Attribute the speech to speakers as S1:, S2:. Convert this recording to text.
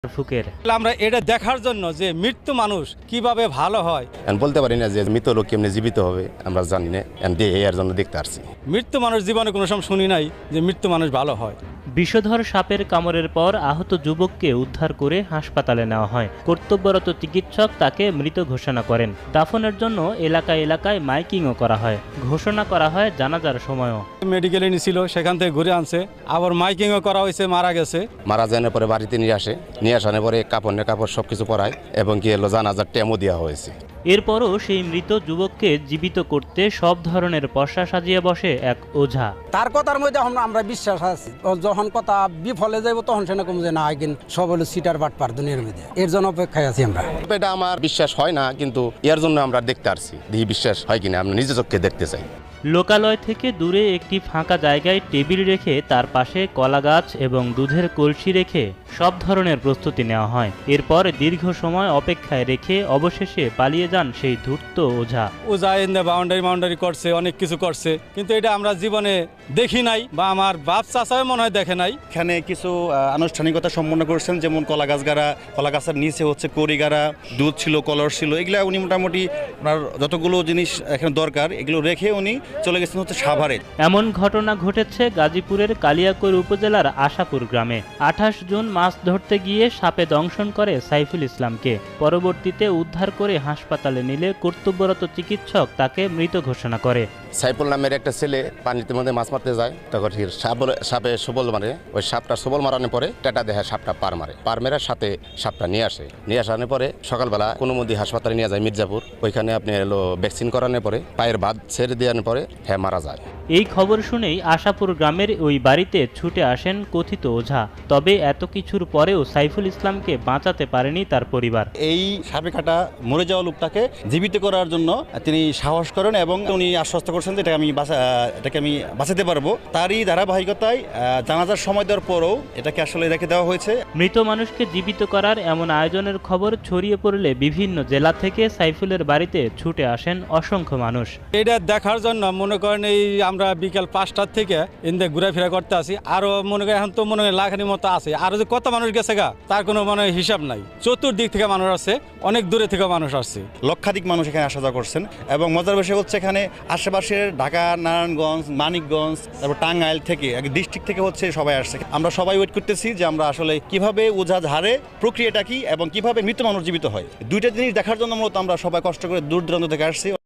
S1: ফুকের।
S2: আমরা এটা দেখার জন্য যে মৃত্যু মানুষ কিভাবে ভালো হয়,
S3: বলতে পারি না যে মৃত লোক কেমনি জীবিত হবে, আমরা জানি না, এর জন্য দেখতে আসছি।
S2: মৃত্যু মানুষ জীবনে কোনো সময় শুনি নাই যে মৃত্যু মানুষ ভালো হয়।
S1: বিষধর সাপের কামড়ের পর আহত যুবককে উদ্ধার করে হাসপাতালে নেওয়া হয়। কর্তব্যরত চিকিৎসক তাকে মৃত ঘোষণা করেন। দাফনের জন্য এলাকায় এলাকায় মাইকিংও করা হয়। ঘোষণা করা হয় জানাজার সময়ও।
S2: মেডিকেলে নিয়েছিল, সেখান থেকে ঘুরে আনছে, আবার মাইকিংও করা হয়েছে, মারা গেছে।
S3: মারা যাওয়ার পরে বাড়িতে নিয়ে আসার পরে কাপড় সবকিছু পরায় এবং কি এলো জানাজার টেমও দেওয়া হয়েছে।
S1: এরপরও সেই মৃত যুবককে জীবিত করতে সব ধরনের পশা সাজিয়ে বসে এক ওঝা।
S4: তার কথার মধ্যে আমরা বিশ্বাস আছি, যখন কথা বিফলে যাইব তখন সে না কম যে না আইন সব হলো সিটার বাটপার দুনিয়ার মধ্যে, এর জন্য অপেক্ষায় আছি আমরা।
S3: এটা আমার বিশ্বাস হয় না, কিন্তু এর জন্য আমরা দেখতে আসছি, দেখি বিশ্বাস হয় কিনা, আমরা নিজে চোখে দেখতে চাই।
S1: লোকালয় থেকে দূরে একটি ফাঁকা জায়গায় টেবিল রেখে তার পাশে কলা গাছ এবং দুধের কলসি রেখে সব ধরনের প্রস্তুতি নেওয়া হয়। এরপর দীর্ঘ সময় অপেক্ষায় রেখে অবশেষে পালিয়ে যান সেই ধূর্ত ওঝা।
S2: ওঝা এনে বাউন্ডারি করছে, অনেক কিছু করছে, কিন্তু এটা আমরা জীবনে দেখি নাই, বা আমার বাপ চাচাও মনে হয় দেখে নাই।
S5: এখানে কিছু আনুষ্ঠানিকতা সম্পন্ন করছেন, যেমন কলা গাছ গাড়া, কলা গাছের নিচে হচ্ছে কড়ি গাড়া, দুধ ছিল, কলস ছিল, এগুলা উনি মোটামুটি আপনার যতগুলো জিনিস এখানে দরকার এগুলো রেখে উনি চলে গেছেন হচ্ছে সাভারে।
S1: এমন ঘটনা ঘটেছে গাজীপুরের কালিয়াকৈর উপজেলার আশাপুর গ্রামে। 28 জুন মাছ ধরতে গিয়ে সাপে দংশন করে সাইফুল ইসলামকে। পরবর্তীতে উদ্ধার করে হাসপাতালে নিলে কর্তব্যরত চিকিৎসক তাকে মৃত ঘোষণা করে।
S3: সাইফুল নামের একটা ছেলে পানির মধ্যে মাছ মারতে যায়, তখন সাপে সবল মারে, ওই সাপটা সবল মারানোর পরে টাটা দেখে সাপটা পার মেরার সাথে সাপটা নিয়ে আসানোর পরে সকালবেলা কোনো মধ্যে হাসপাতালে নিয়ে যায় মির্জাপুর। ওইখানে আপনি এলো ভ্যাকসিন করানোর পরে পায়ের ভাত ছেড়ে দেওয়ার পরে হ্যাঁ মারা যায়।
S1: এই খবর শুনেই আশাপুর গ্রামের ওই বাড়িতে ছুটে আসেন কথিত ওঝা। তবে এত কিছুর পরেও সাইফুল ইসলামকে বাঁচাতে পারেনি তার পরিবার।
S5: এই সাপে কাটা মরে যাওয়া লোকটাকে জীবিত করার জন্য তিনি সাহস করেন এবং উনি আশ্বস্ত করছেন যে এটাকে আমি বাঁচাতে পারবো। তারই ধারাবাহিকতায় জানাজার সময় দেওয়ার পরও এটাকে আসলে রেখে দেওয়া হয়েছে।
S1: মৃত মানুষকে জীবিত করার এমন আয়োজনের খবর ছড়িয়ে পড়লে বিভিন্ন জেলা থেকে সাইফুলের বাড়িতে ছুটে আসেন অসংখ্য মানুষ।
S2: এটা দেখার জন্য মনে করেন এই আমরা বিকাল 5টার থেকে ইন্দে ঘোরাফেরা করতে আসি, আরো মনে করেন এখন তো মনে করেন লাখানির মতো আছে, আরো যে কত মানুষ গেছে গা তার কোনো মানে হিসাব নাই। চতুর্দিক থেকে মানুষ আসছে, অনেক দূরে থেকে মানুষ আসছে,
S5: লক্ষাধিক মানুষ এখানে আসা যাওয়া করছেন। এবং মজার বিষয় হচ্ছে এখানে আশেপাশের ঢাকা, নারায়ণগঞ্জ, মানিকগঞ্জ, তারপর টাঙ্গাইল থেকে ডিস্ট্রিক্ট থেকে হচ্ছে সবাই আসছে। আমরা সবাই ওয়েট করতেছি যে আমরা আসলে কিভাবে ওঝা ঝাড়ে, প্রক্রিয়াটা কি এবং কিভাবে মৃত মানুষ জীবিত হয়, দুইটা জিনিস দেখার জন্য মূলত আমরা সবাই কষ্ট করে দূর দূরান্ত থেকে আসছি।